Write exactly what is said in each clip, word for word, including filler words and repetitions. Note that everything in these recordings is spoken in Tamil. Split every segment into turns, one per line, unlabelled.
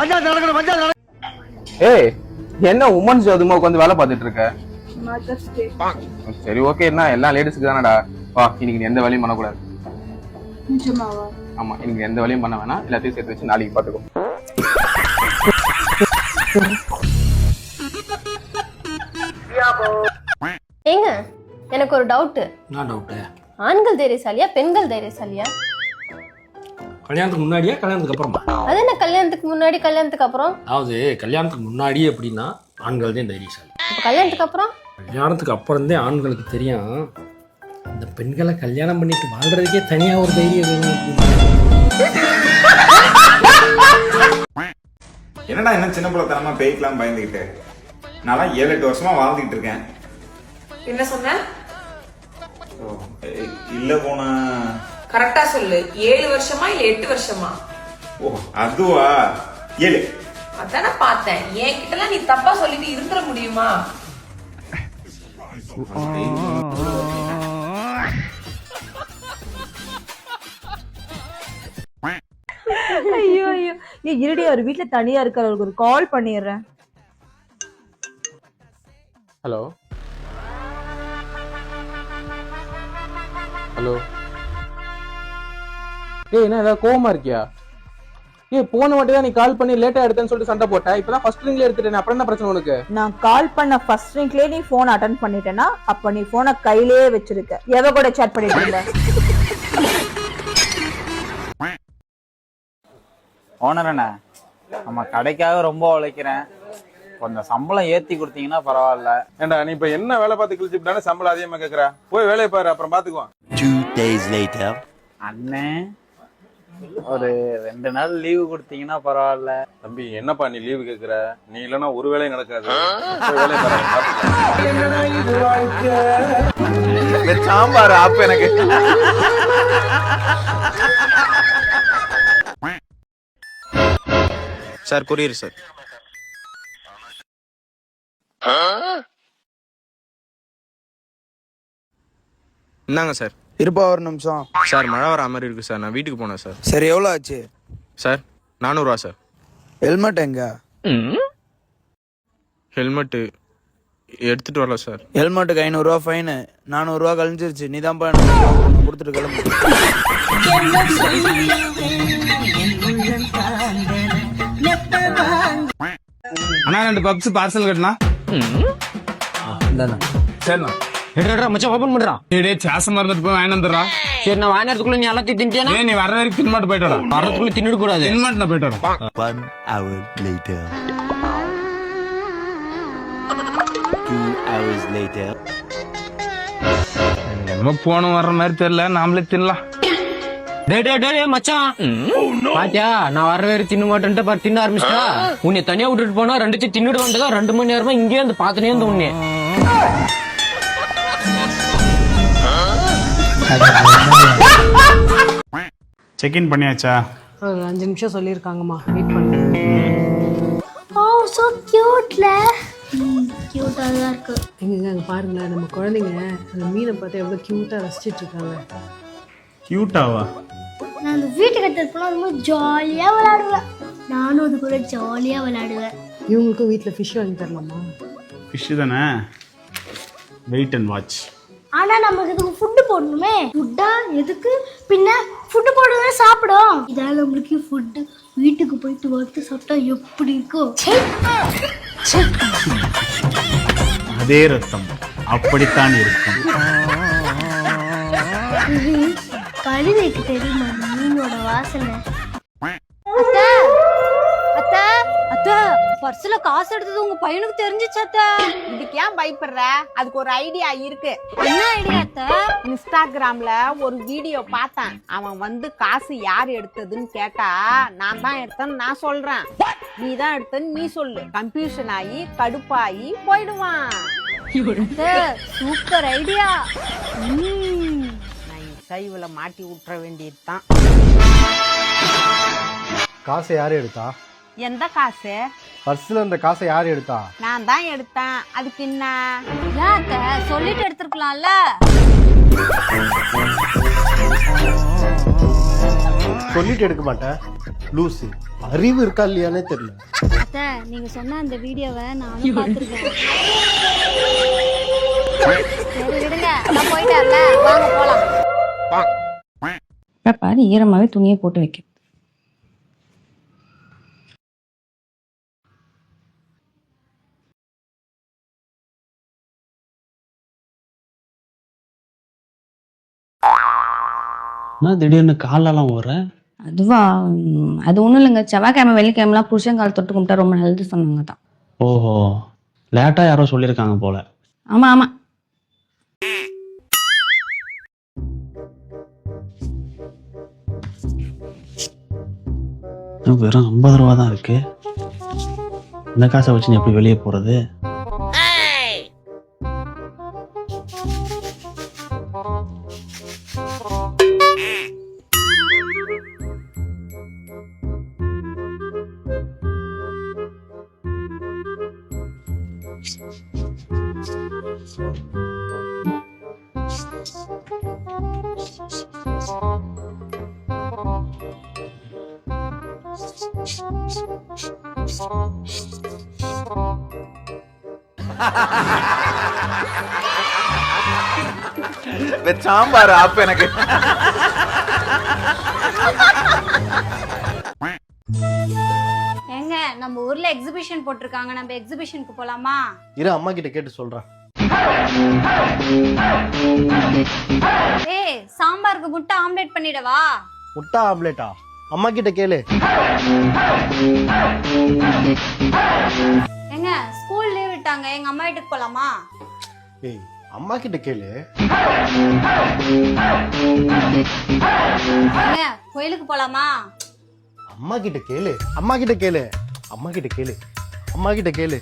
ஏய் என்ன உமன்ஸ் அதுமா உட்காந்து வேலை பார்த்துட்டு இருக்க? சரி ஓகே, என்ன எல்லா லேடிஸ்க்கு தானடா. வா, இன்னைக்கு நீ எந்த வேலையும் பண்ணக்கூடாது. ஆமா, இன்னைக்கு எந்த வேலையும் பண்ண வேணாம். எல்லாத்தையும் சேர்த்து வச்சு நாளைக்கு பாத்துக்கோ.
ஏங்க எனக்கு ஒரு டவுட்.
என்ன டவுட்?
ஆண்கள் தைரியசாலியா பெண்கள் தைரியசாலியா?
கல்யாணத்துக்கு முன்னாடியா கல்யாணத்துக்கு அப்புறமா?
அது என்ன கல்யாணத்துக்கு முன்னாடி கல்யாணத்துக்கு அப்புறம்?
அதாவது கல்யாணத்துக்கு முன்னாடி எப்படின்னா ஆண்கள் தான் தைரியசாலி.
அப்ப கல்யாணத்துக்கு அப்புறம்?
கல்யாணத்துக்கு அப்புறம் தான் ஆண்களுக்கு தெரியும் இந்த பெண்களை கல்யாணம் பண்ணிட்டு வாழ்றதுக்கே தனியா ஒரு தைரியம் வேணும்.
என்னடா என்ன சின்ன பிள்ளைத்தனமா பேய்க்கலாம் பயந்துகிட்டு? நான் ஏழு எட்டு வருஷமா வாழ்ந்துகிட்டு இருக்கேன்.
என்ன சொன்ன?
இல்ல போன
கரெக்டா சொல்லு. ஏழு வருஷமா இல்ல எட்டு வருஷமா?
ஓ அதுவா, ஏழு.
அதான பார்த்தேன். என்கிட்ட நீ தப்பா சொல்லிட்டு இருந்துட முடியுமா?
ஐயோ ஐயோ, நீ இருடி, ஒரு வீட்டுல தனியா இருக்கிறவங்களுக்கு ஒரு கால் பண்ணிடுறேன்.
ஹலோ ஹலோ ஏய், என்ன ஏதாவது கோவமா இருக்கியா? ஏய், போன வாட்டி தான் நீ கால் பண்ணி லேட்டா எடுத்தேன்னு சொல்லிட்டு சண்டை போட்ட. இப்பதான் ஃபர்ஸ்ட் ரிங்ல எடுத்துட்டேன். அப்புறம் என்ன பிரச்சனை உனக்கு?
நான் கால் பண்ண ஃபர்ஸ்ட் ரிங்லயே நீ போன் அட்டெண்ட் பண்ணிட்டேன்னா அப்ப நீ போனை கையிலேயே வச்சிருக்க. எவ கூட சாட் பண்ணிட்டு இருந்த?
ஓனர் அண்ணா, நம்ம கடைக்காக ரொம்ப உழைக்கிறேன், கொஞ்சம் சம்பளம் ஏத்தி கொடுத்தீங்கன்னா பரவாயில்ல.
ஏண்டா நீ இப்ப என்ன வேலை பார்த்து கிழிச்சுட்டானே சம்பளம் அதிகமா கேக்குற? போய் வேலையை பாரு, அப்புறம் பாத்துக்குவோம்.
Two days later.
அண்ணே, ஒரு ரெண்டு நாள் லீவு கொடுத்தீங்கன்னா பரவாயில்ல.
தம்பி என்னப்பா நீ லீவு கேக்குற? நீ இல்லன்னா ஒரு வேலையும் நடக்காது. போய் வேலையை பாரு.
சாம்பார் அப்ப எனக்கு சார் கொரியர் சார்.
இந்தாங்க சார்.
இருப்பா ஒரு நிமிஷம்
சார். மழை வர மாதிரி இருக்கு சார், நான் வீட்டுக்கு போனேன் சார்.
சரி, எவ்வளோ ஆச்சு
சார்? நானூறுவா சார்.
ஹெல்மெட் எங்க?
ஹெல்மெட்டு எடுத்துட்டு வரல சார்.
ஹெல்மெட்டுக்கு ஐநூறுரூவா ஃபைனு. நானூறுரூவா கழிஞ்சிருச்சு. நீ தான் கொடுத்துட்டு கிளம்பு.
அண்ணா ரெண்டு பப்ஸ் பார்சல் கட்டினா சரிண்ணா.
மச்சான் ஓபன் பண்றான்.
டேய் சாசமா இருந்துட்டு போய் வாங்கி வந்துடுறா.
சரி, நான் வாங்கினதுக்குள்ள நீ எல்லாத்தையும் தின்ட்டியா?
நீ வர வரைக்கும் தின்மாட்டு போயிட்டோட.
வரதுக்குள்ள தின்னுட கூடாது.
தின்மாட்டு நான் போயிட்டோட.
One hour later. Two hours later.
நம்ம போன வர்ற மாதிரி தெரியல, நாமளே தின்னலாம்.
டே டே டே மச்சான், பாத்தியா நான் வர வேற தின்ன மாட்டேன்ட்டு பாரு தின்ன ஆரம்பிச்சிட்டா. உன்னை தனியா விட்டுட்டு போனா ரெண்டு தின்னுட்டு வந்ததா ரெண்டு மணி நேரமா இங்கே வந்து பாத்துனே இருந்த உன்னை.
செக் இன் பண்ணியாச்சா?
ஒரு அஞ்சு நிமிஷம் சொல்லிருக்காங்கம்மா, வெயிட் பண்ணு.
ஓ சோ கியூட்ல. கியூட்டா தான் இருக்கு.
எங்க அங்க பாருங்களேன், நம்ம குழந்தைங்க அந்த மீனை பார்த்து எவ்வளவு கியூட்டா ரசிச்சிட்டு இருக்காங்க.
கியூட்டாவா?
நான் அந்த வீட்டுக்கு எடுத்துட்டு போனா ரொம்ப ஜாலியா விளையாடுவேன். நானும் அது கூட ஜாலியா விளையாடுவேன்.
இவங்களுக்கும் வீட்டுல ஃபிஷ் வாங்கி தரலாமா?
ஃபிஷ் தானே, வெயிட் அண்ட் வாட்ச்.
ஆனா நமக்கு இதுக்கு ஃபுட் போடணுமே. ஃபுட்டா எதுக்கு? பின்ன ஃபுட் போடுறதே சாப்பிடும். இதால நம்மளுக்கு ஃபுட் வீட்டுக்கு போயிட்டு வந்து சாப்பிட்டா எப்படி இருக்கும்?
அதே ரத்தம் அப்படித்தான் இருக்கும்.
கழுதைக்கு தெரியுமா மீனோட வாசனை? பர்ஸ்ல காசு எடுத்தது உங்க பையனுக்கு தெரிஞ்சிச்சு அத்தை.
இதுக்கு ஏன் பயப்படுற? அதுக்கு ஒரு ஐடியா இருக்கு.
என்ன ஐடியா அத்தை?
இன்ஸ்டாகிராம்ல ஒரு வீடியோ பார்த்தேன். அவன் வந்து காசு யார் எடுத்ததுன்னு கேட்டா நான் தான் எடுத்தேன்னு நான் சொல்றேன், நீ தான் எடுத்தன்னு நீ சொல்லு. கன்ஃபியூஷன் ஆகி கடுப்பாகி போயிடுவான்.
Super idea.
நான் சைவுல மாட்டி விட்டுற வேண்டியதுதான்.
காசை யாரு எடுத்தா?
எந்த காசு?
பர்ஸ்ல இருந்த காசை யாரு எடுத்தா?
நான் தான் எடுத்தேன். அதுக்கு என்ன?
சொல்லிட்டு எடுத்திருக்கலாம்ல.
சொல்லிட்டு எடுக்க மாட்டேன். லூசு அறிவு இருக்கா இல்லையானே தெரியல.
அத்தை நீங்க சொன்ன அந்த வீடியோவை நானும் பார்த்துருக்கேன். சரி விடுங்க, நான் போயிட்டார்ல, வாங்க போலாம்.
பாரு ஈரமாவே துணியை போட்டு வைக்க.
திடீர்னு காலெல்லாம் ஓடுற?
அதுவா ம், அது ஒண்ணும் இல்லைங்க. செவ்வாய்க்கிழமை வெள்ளிக்கிழமெல்லாம் புருஷன் கால் தொட்டு கும்பிட்டா ரொம்ப நல்லது சொன்னாங்க தான்.
ஓஹோ, லேட்டா யாரோ சொல்லியிருக்காங்க போல.
ஆமா ஆமா.
வெறும் ஐம்பது ரூபா தான் இருக்கு. இந்த காசை வச்சு நீ எப்படி வெளியே போறது?
சாம்பார் அப்ப எனக்கு
ஏங்க நம்ம ஊர்ல எக்ஸிபிஷன் போட்டிருக்காங்க, நம்ம எக்ஸிபிஷனுக்கு போலாமா?
இரு அம்மா கிட்ட கேட்டு சொல்றேன்.
ஏய் சாம்பாருக்கு முட்டை ஆம்லெட் பண்ணிடவா?
முட்டை ஆம்லேட்டா? அம்மா கிட்ட கேளு.
ஏங்க ஸ்கூல் லீவ் விட்டாங்க, எங்க அம்மா வீட்டுக்கு போலாமா?
ஏய் அம்மா கிட்ட கேளு.
ஏங்க கோயிலுக்கு போலாமா?
அம்மா கிட்ட கேளு. அம்மா கிட்ட கேளு. அம்மா கிட்ட கேளு. அம்மா கிட்ட கேளு.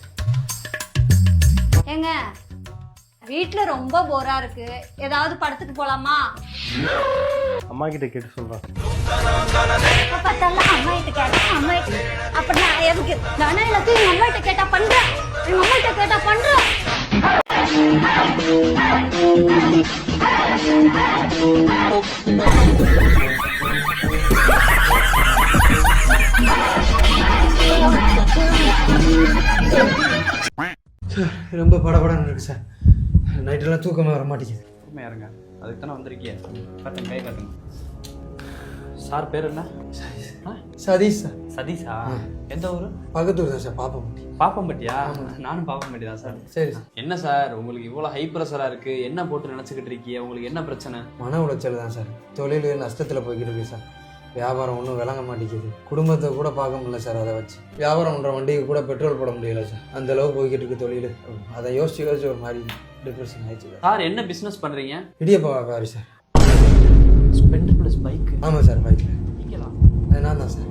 ஏங்க வீட்ல ரொம்ப போரா இருக்கு, ஏதாவது படத்துக்கு போலாமா?
அம்மா கிட்ட கேட்டு சொல்றேன்.
எப்ப பார்த்தாலும் அம்மா கிட்ட கேட்டா அம்மா கிட்ட அப்ப நான் எதுக்கு நானே எல்லாத்தையும் எங்க அம்மா கிட்ட கேட்டா பண்றேன், எங்க அம்மா கிட்ட கேட்டா பண்றேன்.
சார் ரொம்ப படபடன்னு இருக்கு சார். நைட்டெல்லாம் தூக்கமே வர மாட்டேங்குது.
உண்மையா இருங்க, அதுக்கு தானே வந்திருக்கீங்க. காட்டுங்க, கை காட்டுங்க. சார் பேர் என்ன?
சதீஷ் சார்.
சதீஷா? எந்த ஊரு?
பக்கத்தூர் தான் சார், பாப்பம்பட்டி.
பாப்பம்பட்டியா? நானும் பாப்பம்பட்டி தான் சார்.
சரி.
என்ன சார் உங்களுக்கு இவ்வளவு ஹை ப்ரெஷரா இருக்கு? என்ன போட்டு நினைச்சுக்கிட்டு இருக்கீங்க? உங்களுக்கு என்ன பிரச்சனை?
மன உளைச்சல் தான் சார். தொழில் நஷ்டத்தில் போய்கிட்டு இருக்கு சார். வியாபாரம் ஒன்றும் விளங்க மாட்டேங்குது. குடும்பத்தை கூட பார்க்க முடியல சார். அதை வச்சு வியாபாரம் பண்ணுற வண்டிக்கு கூட பெட்ரோல் போட முடியல சார். அந்த அளவு போய்கிட்டு இருக்கு தொழில். அதை யோசிச்சு யோசிச்சு ஒரு மாதிரி டிப்ரெஷன் ஆயிடுச்சு
சார். என்ன பிசினஸ் பண்றீங்க?
இடியப்பா வியாபாரி சார்.
Splendor plus bike?
ஆமாம் சார், பைக்கில்.
நீங்களாம்?
அது நான் தான் சார்.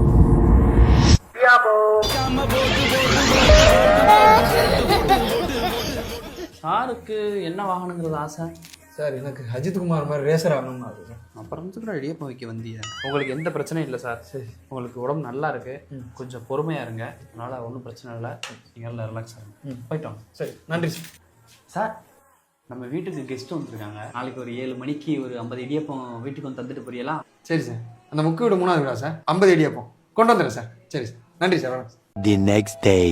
சாருக்கு என்ன வாகனங்கிறது ஆசை?
சார் எனக்கு அஜித் குமார் மாதிரி ரேசர் ஆகணும்னு ஆசை சார்.
அப்புறம் கூட இடியப்பம் வைக்க வந்தியா? உங்களுக்கு எந்த பிரச்சனையும் இல்லை சார். சரி, உங்களுக்கு உடம்பு நல்லா இருக்கு, கொஞ்சம் பொறுமையா இருங்க. அதனால ஒன்றும் பிரச்சனை இல்லை. நீங்கள் எல்லாம் ரிலாக்ஸ் ஆகுங்க. போயிட்டோம்.
சரி, நன்றி சார்.
சார் நம்ம வீட்டுக்கு கெஸ்ட் வந்துருக்காங்க. நாளைக்கு ஒரு ஏழு மணிக்கு ஒரு ஐம்பது இடியப்பம் வீட்டுக்கு வந்து தந்துட்டு போறீங்களா?
சரி சார். அந்த முக்கு வீடு மூணாவது வீடா சார்? ஐம்பது இடியப்பம் கொண்டு வந்துடுறேன் சார். சரி சார், நன்றி சார். வணக்கம்.
The next day.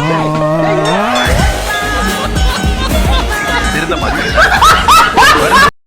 திருந்த மாதிரி